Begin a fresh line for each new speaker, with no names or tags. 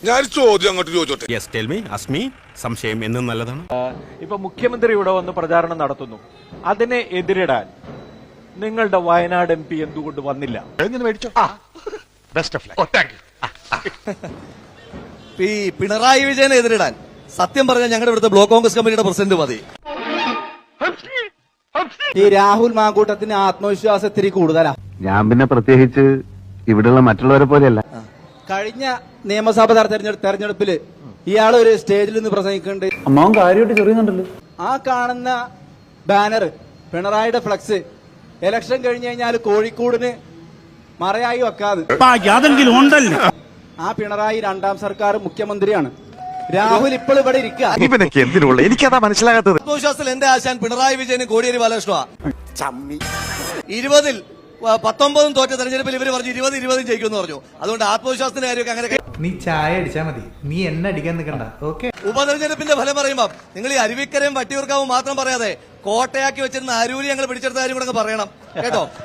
ഞാൻ ചോദ്യം അങ്ങോട്ട് ചോദിച്ചോട്ടെ.
Yes tell me Asmi. സംശയം എന്നും നല്ലതാണ്.
ഇപ്പൊ മുഖ്യമന്ത്രി ഇവിടെ വന്ന് പ്രചാരണം നടത്തുന്നു. അതിനെ എതിരിടാൻ നിങ്ങളുടെ വയനാട് MP എന്തുകൊണ്ട് വന്നില്ല?
ഈ പിണറായി വിജയനെ എതിരിടാൻ സത്യം പറഞ്ഞാൽ ഞങ്ങളുടെ ഇവിടുത്തെ ബ്ലോക്ക് കോൺഗ്രസ് കമ്മിറ്റിയുടെ പ്രസിഡന്റ് മതി.
ഈ രാഹുൽ മാങ്കൂട്ടത്തിന് ആത്മവിശ്വാസം ഇത്തിരി കൂടുതലാ.
ഞാൻ പിന്നെ പ്രത്യേകിച്ച് ഇവിടെയുള്ള മറ്റുള്ളവരെ പോലെയല്ല.
കഴിഞ്ഞ നിയമസഭാ തെരഞ്ഞെടുപ്പില് ഇയാൾ ഒരു സ്റ്റേജിൽ നിന്ന് പ്രസംഗിക്കുന്നുണ്ട്.
അമ്മാവൻ കാര്യമായിട്ട് ചെറിയുന്നുണ്ടല്ലോ.
ആ കാണുന്ന ബാനർ പിണറായിയുടെ ഫ്ലക്സ് ഇലക്ഷൻ കഴിഞ്ഞു കഴിഞ്ഞാൽ കോഴിക്കോടിന് മറയായി വെക്കാതെ ആ പിണറായി രണ്ടാം സർക്കാർ മുഖ്യമന്ത്രിയാണ്. രാഹുൽ ഇപ്പോൾ ഇവിടെ ഇരിക്കുക.
എനിക്കതാ മനസ്സിലാകാത്തത്.
ആത്മവിശ്വാസത്തിൽ എന്റെ ആശാൻ പിണറായി വിജയനും കോടിയേരി ബാലകൃഷ്ണ 20-ൽ 19 തോറ്റ തെരഞ്ഞെടുപ്പിൽ ഇവര് പറഞ്ഞു 20-20 ജയിക്കുമെന്ന് പറഞ്ഞു. അതുകൊണ്ട് ആത്മവിശ്വാസത്തിന്റെ കാര്യമൊക്കെ അങ്ങനെ.
നീ ചായ അടിച്ചാ മതി, നീ എന്നെ അടിക്കാൻ നിൽക്കണ്ട. ഓക്കെ.
ഉപതെരഞ്ഞെടുപ്പിന്റെ ഫലം പറയുമ്പോൾ നിങ്ങൾ ഈ അരുവിക്കരയും വട്ടിയൂർക്കാവും മാത്രം പറയാതെ കോട്ടയാക്കി വെച്ചിരുന്ന അരൂരി ഞങ്ങൾ പിടിച്ചെടുത്ത കാര്യം കൂടെ പറയണം കേട്ടോ.